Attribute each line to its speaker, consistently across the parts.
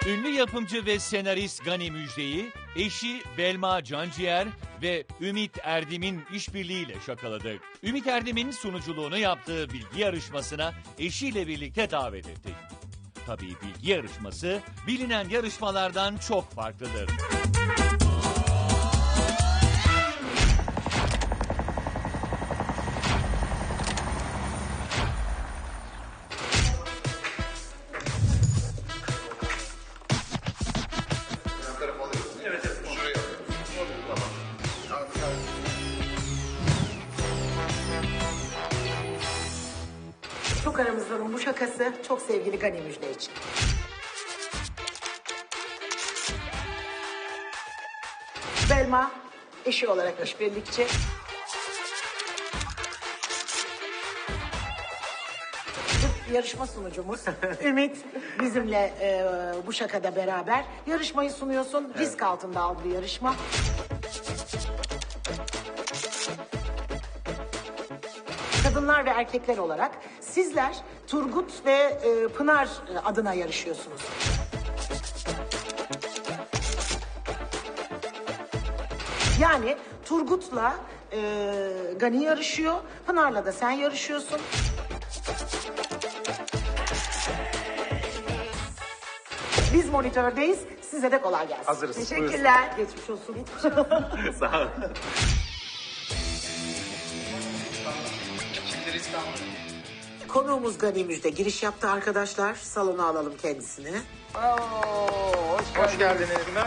Speaker 1: Ünlü yapımcı ve senarist Gani Müjde'yi eşi Belma Canciğer ve Ümit Erdem'in işbirliğiyle şakaladık. Ümit Erdem'in sunuculuğunu yaptığı bilgi yarışmasına eşiyle birlikte davet ettik. Tabii bilgi yarışması bilinen yarışmalardan çok farklıdır.
Speaker 2: Çok aramızdanın bu şakası çok sevgili Gani Müjde için. Belma eşi olarak işbirlikçi. Yarışma sunucumuz Ümit bizimle bu şakada beraber yarışmayı sunuyorsun. Risk altında aldığı yarışma. Kadınlar ve erkekler olarak sizler Turgut ve Pınar adına yarışıyorsunuz. Yani Turgut'la Gani yarışıyor, Pınar'la da sen yarışıyorsun. Biz monitördeyiz, size de kolay gelsin.
Speaker 3: Hazırız.
Speaker 2: Teşekkürler. Geçmiş olsun.
Speaker 3: Sağ olun.
Speaker 2: Konuğumuz Gani Müjde giriş yaptı arkadaşlar. Salona alalım kendisini.
Speaker 3: Hoş geldiniz.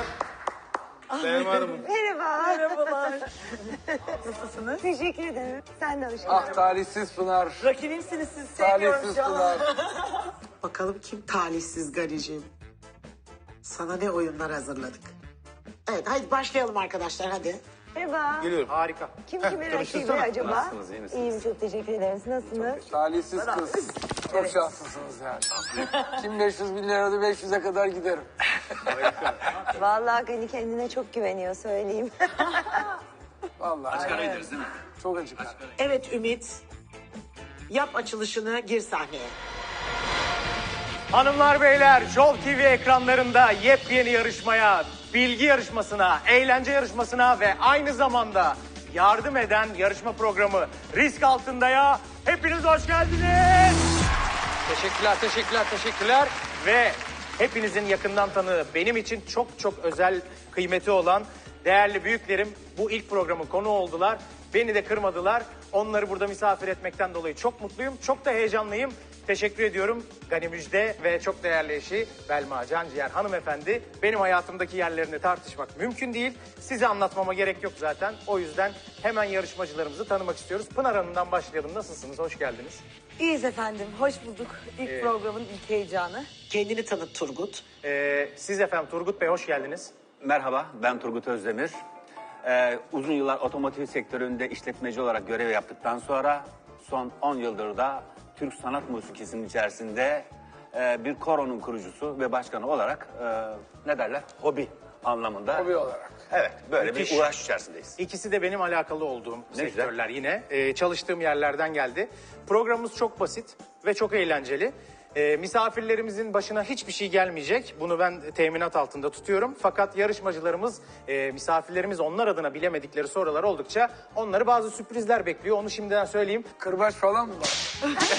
Speaker 3: Benim Hanım.
Speaker 4: Merhaba. Merhabalar. Nasılsınız? Teşekkür ederim. Sen de hoş geldin.
Speaker 5: Ah talihsiz Pınar.
Speaker 4: Rakibimsiniz siz. Sevmiyorum
Speaker 5: Talihsiz
Speaker 4: şu an.
Speaker 5: Pınar.
Speaker 2: Bakalım kim talihsiz Gani'ciğim. Sana ne oyunlar hazırladık. Evet hadi başlayalım arkadaşlar hadi.
Speaker 4: Merhaba.
Speaker 3: Geliyorum. Harika.
Speaker 4: Kim kimin rakibi acaba?
Speaker 5: Nasılsınız, iyi misiniz?
Speaker 4: İyiyim çok teşekkür ederim. Siz nasılsınız?
Speaker 5: Talihsiz kız. Çok şanslısınız yani. Kim 500 bin liradı 500'e kadar giderim.
Speaker 4: Vallahi Gani kendine çok güveniyor söyleyeyim.
Speaker 5: Vallahi. Açık ara gideriz değil mi? Çok açık ara.
Speaker 2: Evet Ümit. Yap açılışını gir sahneye.
Speaker 3: Hanımlar beyler, Show TV ekranlarında yepyeni yarışmaya, bilgi yarışmasına, eğlence yarışmasına ve aynı zamanda yardım eden yarışma programı Risk Altında'ya hepiniz hoş geldiniz. Teşekkürler. Ve hepinizin yakından tanığı, benim için çok çok özel kıymeti olan değerli büyüklerim bu ilk programın konuğu oldular. Beni de kırmadılar. Onları burada misafir etmekten dolayı çok mutluyum. Çok da heyecanlıyım. Teşekkür ediyorum Gani Müjde ve çok değerli eşi Belma Canciğer hanımefendi. Benim hayatımdaki yerlerini tartışmak mümkün değil. Size anlatmama gerek yok zaten. O yüzden hemen yarışmacılarımızı tanımak istiyoruz. Pınar Hanım'dan başlayalım. Nasılsınız? Hoş geldiniz.
Speaker 4: İyiyiz efendim. Hoş bulduk. İlk programın ilk heyecanı.
Speaker 2: Kendini tanıt Turgut.
Speaker 3: Siz efendim Turgut Bey hoş geldiniz.
Speaker 6: Merhaba, ben Turgut Özdemir. Uzun yıllar otomotiv sektöründe işletmeci olarak görev yaptıktan sonra son 10 yıldır da Türk sanat musikisinin içerisinde bir koronun kurucusu ve başkanı olarak ne derler? Hobi anlamında.
Speaker 5: Hobi olarak.
Speaker 6: Evet, böyle
Speaker 3: Müthiş.
Speaker 6: bir uğraş içerisindeyiz.
Speaker 3: İkisi de benim alakalı olduğum
Speaker 6: güzel.
Speaker 3: sektörler yine. Çalıştığım yerlerden geldi. Programımız çok basit ve çok eğlenceli. Misafirlerimizin başına hiçbir şey gelmeyecek. Bunu ben teminat altında tutuyorum. Fakat yarışmacılarımız, misafirlerimiz onlar adına bilemedikleri sorular oldukça onları bazı sürprizler bekliyor. Onu şimdiden söyleyeyim.
Speaker 5: Kırbaç falan mı var?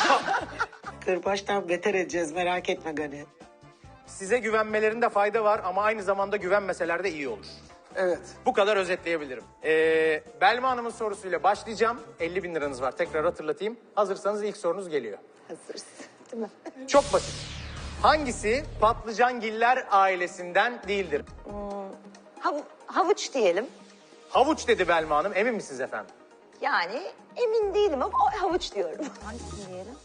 Speaker 2: Kırbaçtan beter edeceğiz merak etme Gani.
Speaker 3: Size güvenmelerinde fayda var ama aynı zamanda güvenmeseler de iyi olur.
Speaker 5: Evet.
Speaker 3: Bu kadar özetleyebilirim. Belma Hanım'ın sorusuyla başlayacağım. 50 bin liranız var. Tekrar hatırlatayım. Hazırsanız ilk sorunuz geliyor.
Speaker 4: Hazırız. Değil mi?
Speaker 3: Çok basit. Hangisi patlıcangiller ailesinden değildir?
Speaker 4: Havuç diyelim.
Speaker 3: Havuç dedi Belma Hanım. Emin misiniz efendim?
Speaker 4: Yani emin değilim ama havuç diyorum. Hangisini diyelim?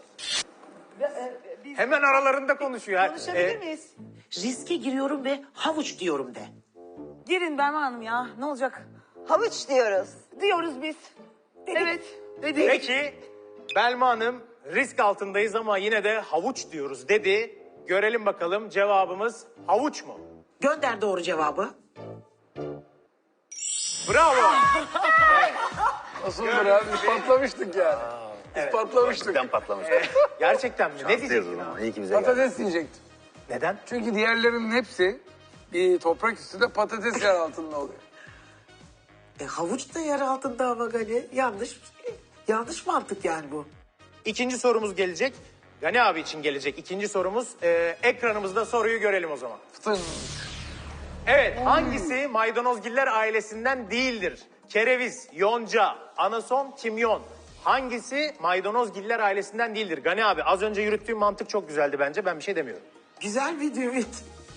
Speaker 3: Hemen aralarında konuşuyor.
Speaker 7: Konuşabilir miyiz?
Speaker 2: Riske giriyorum ve havuç diyorum de.
Speaker 7: Girin Berma Hanım ya. Ne olacak?
Speaker 4: Havuç diyoruz.
Speaker 7: Diyoruz biz. Evet. Dedik.
Speaker 3: Peki Belma Hanım risk altındayız ama yine de havuç diyoruz dedi. Görelim bakalım cevabımız havuç mu?
Speaker 2: Gönder doğru cevabı.
Speaker 3: Bravo.
Speaker 5: Nasıl abi? Biz patlamıştık yani. Biz patlamıştık.
Speaker 6: Ben patlamış.
Speaker 3: Gerçekten mi? Ne
Speaker 6: Şanslıyız o
Speaker 3: diyecektin
Speaker 6: zaman.
Speaker 3: abi?
Speaker 6: İyi ki bize geldi.
Speaker 5: Patates diyecektim.
Speaker 3: Neden?
Speaker 5: Çünkü diğerlerinin hepsi bir toprak üstünde, patates yer altında oluyor.
Speaker 2: Havuç da yer altında ama Gani. Yanlış mantık yani bu.
Speaker 3: İkinci sorumuz gelecek. Gani abi için gelecek ikinci sorumuz. Ekranımızda soruyu görelim o zaman.
Speaker 5: Fıtın.
Speaker 3: Evet, hangisi maydanozgiller ailesinden değildir? Kereviz, yonca, anason, kimyon. Hangisi maydanozgiller ailesinden değildir? Gani abi az önce yürüttüğüm mantık çok güzeldi bence. Ben bir şey demiyorum.
Speaker 2: Güzel bir Ümit.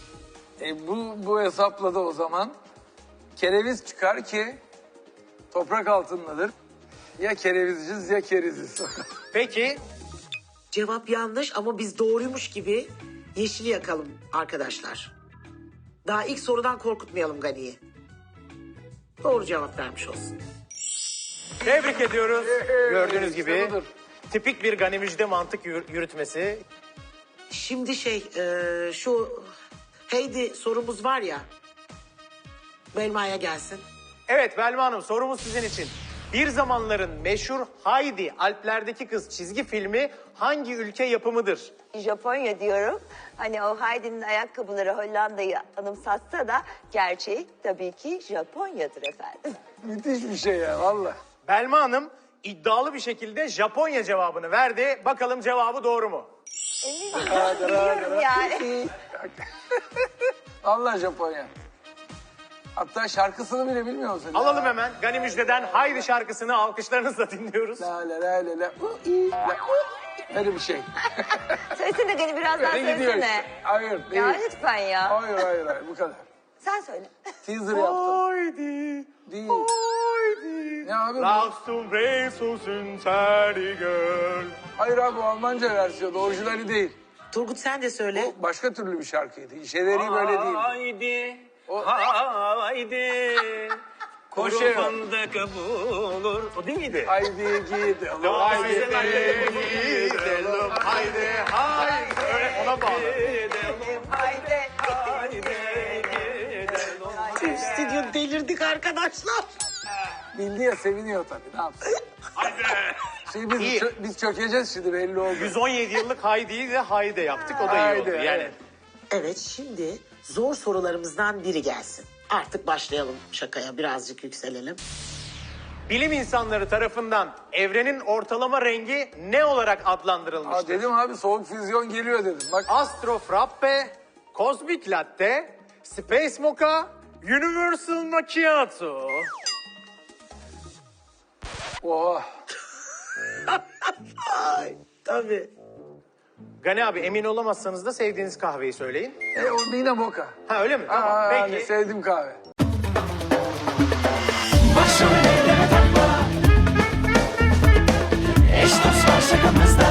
Speaker 5: Bu hesapla da o zaman kereviz çıkar ki toprak altındadır. Ya kerevizciz ya keriziz.
Speaker 3: Peki
Speaker 2: Cevap yanlış ama biz doğruymuş gibi yeşili yakalım arkadaşlar. Daha ilk sorudan korkutmayalım Gani'yi. Doğru cevap vermiş olsun.
Speaker 3: tebrik ediyoruz. Gördüğünüz
Speaker 5: işte
Speaker 3: gibi
Speaker 5: budur.
Speaker 3: tipik bir Gani Müjde mantık yürütmesi.
Speaker 2: Şimdi şu Heidi sorumuz var ya. Belma'ya gelsin.
Speaker 3: Evet Belma Hanım sorumuz sizin için. Bir zamanların meşhur Heidi, Alplerdeki Kız çizgi filmi hangi ülke yapımıdır?
Speaker 4: Japonya diyorum. Hani o Heidi'nin ayakkabıları Hollanda'yı anımsatsa da gerçeği tabii ki Japonya'dır efendim.
Speaker 5: Müthiş bir şey ya valla.
Speaker 3: Belma Hanım iddialı bir şekilde Japonya cevabını verdi. Bakalım cevabı doğru mu?
Speaker 4: Eminim biliyorum yani.
Speaker 5: Allah Japonya. Hatta şarkısını bile bilmiyor musun?
Speaker 3: Alalım hemen Gani Müjde'den Haydi şarkısını alkışlarınızla dinliyoruz.
Speaker 5: La la la la la. Öyle bir şey.
Speaker 4: Söylesene Gani biraz daha
Speaker 5: Öyle gidiyor
Speaker 4: söylesene.
Speaker 5: işte. Hayır değil.
Speaker 4: Ya lütfen ya.
Speaker 5: Hayır bu kadar.
Speaker 4: Sen söyle.
Speaker 5: Teaser yaptım.
Speaker 3: Haydi,
Speaker 5: Değil.
Speaker 3: haydi.
Speaker 5: Ne abi bu?
Speaker 3: Lachst und Resusen Serdigel.
Speaker 5: Hayır abi o Almanca versiyonu orijinali değil.
Speaker 2: Turgut sen de söyle.
Speaker 5: Bu başka türlü bir şarkıydı. İşeleri böyle değil.
Speaker 3: Haydi,
Speaker 5: O-
Speaker 3: haydi. Kuru
Speaker 5: Koşuyor.
Speaker 3: fındık bulur. O değil miydi?
Speaker 5: Haydi gidelim.
Speaker 3: Haydi gidelim, haydi, haydi. Öyle ona bağlı.
Speaker 4: Haydi.
Speaker 2: Stüdyo delirdik arkadaşlar.
Speaker 5: Bildi ya seviniyor tabii ne yapsın. Şimdi
Speaker 3: İyi.
Speaker 5: biz çökeceğiz şimdi belli oldu.
Speaker 3: 117 yıllık Haydi'yi de Haydi yaptık. O da iyi
Speaker 5: Haydi,
Speaker 3: oldu. Yani
Speaker 5: evet.
Speaker 2: Evet şimdi zor sorularımızdan biri gelsin. Artık başlayalım şakaya birazcık yükselelim.
Speaker 3: bilim insanları tarafından evrenin ortalama rengi ne olarak adlandırılmıştır?
Speaker 5: Dedim abi soğuk füzyon geliyor dedim. Bak
Speaker 3: Astro Frappe, Cosmic Latte, Space Mocha, Universal Macchiato.
Speaker 5: oha.
Speaker 2: Ay tabii.
Speaker 3: Gani abi emin olamazsanız da sevdiğiniz kahveyi söyleyin.
Speaker 5: O yine moka.
Speaker 3: Ha öyle mi? Tamam
Speaker 5: Hani
Speaker 3: peki.
Speaker 5: sevdim kahve.
Speaker 8: Başrol eyleme takma. Eş dost var şakamızda.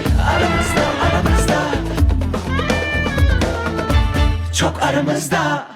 Speaker 8: Aramızda Çok aramızda.